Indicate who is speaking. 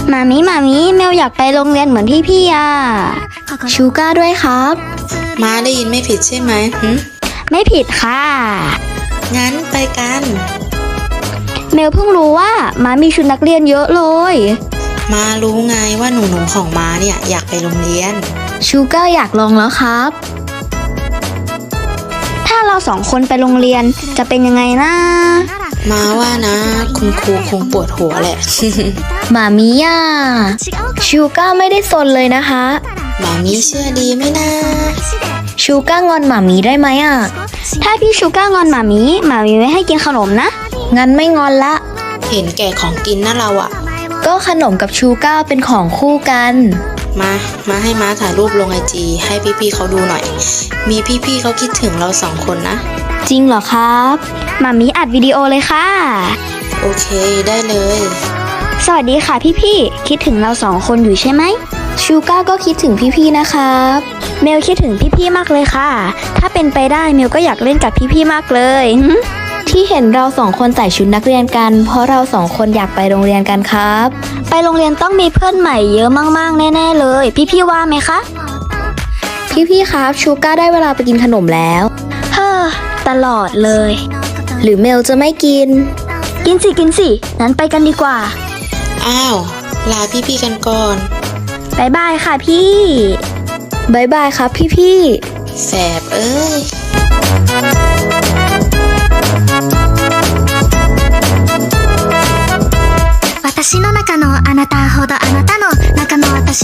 Speaker 1: มามีเมลอยากไปโรงเรียนเหมือนพี่อ่ะชูก้าด้วยครับ
Speaker 2: มาได้ยินไม่ผิดใช่ไหมหึ
Speaker 1: ไม่ผิดค่ะ
Speaker 2: งั้นไปกัน
Speaker 1: เมลเพิ่งรู้ว่ามามีชุดนักเรียนเยอะเลย
Speaker 2: มารู้ไงว่าหนูๆของมาเนี่ยอยากไปโรงเรียน
Speaker 1: ชูก้าอยากลองแล้วครับ ถ้าเราสองคนไปโรงเรียนจะเป็นยังไงนะ
Speaker 2: มาว่านะ คุณครูคงปวดหัวแหละ
Speaker 1: หมามีอ่ะชูก้าไม่ได้ซนเลยนะคะ
Speaker 2: หมามีเชื่อดีไหมนะ
Speaker 1: ชูก้างอนหมามีได้ไหมอ่ะ ถ้าพี่ชูก้างอนหมามีไม่ให้กินขนมนะ งั้นไม่งอนละ
Speaker 2: เห็นแก่ของกินนะเราอะ
Speaker 1: ก็ขนมกับชูก้าเป็นของคู่กัน
Speaker 2: มาให้ม้าถ่ายรูปลงIGให้พี่ๆเขาดูหน่อย มีพี่ๆเขาคิดถึงเราสองคนนะ
Speaker 1: จริงเหรอครับหมามีอัดวิดีโอเลยค่ะ
Speaker 2: โอเคได้เลย
Speaker 1: สวัสดีค่ะพี่ๆคิดถึงเราสองคนอยู่ใช่ไหมชูก้าก็คิดถึงพี่ๆนะครับเมลคิดถึงพี่ๆมากเลยค่ะ ถ้าเป็นไปได้เมลก็อยากเล่นกับพี่ๆมากเลย ที่เห็นเราสองคนใส่ชุดนักเรียนกันเพราะเราสองคนอยากไปโรงเรียนกันครับ ไปโรงเรียนต้องมีเพื่อนใหม่เยอะมากๆแน่ๆเลยพี่ๆว่าไหมคะพี่ๆครับชูก้าได้เวลาไปกินขนมแล้วเฮ้อตลอดเลย หรือเมลจะไม่กินกินสิงั้นไปกันดีกว่า
Speaker 2: อ้าวลาพี่ๆกันก่อน
Speaker 1: บายบายค่ะพี่บายบายครับพี่
Speaker 2: แสบเอ้ย
Speaker 3: 私の中のあなたほどあなたの中の私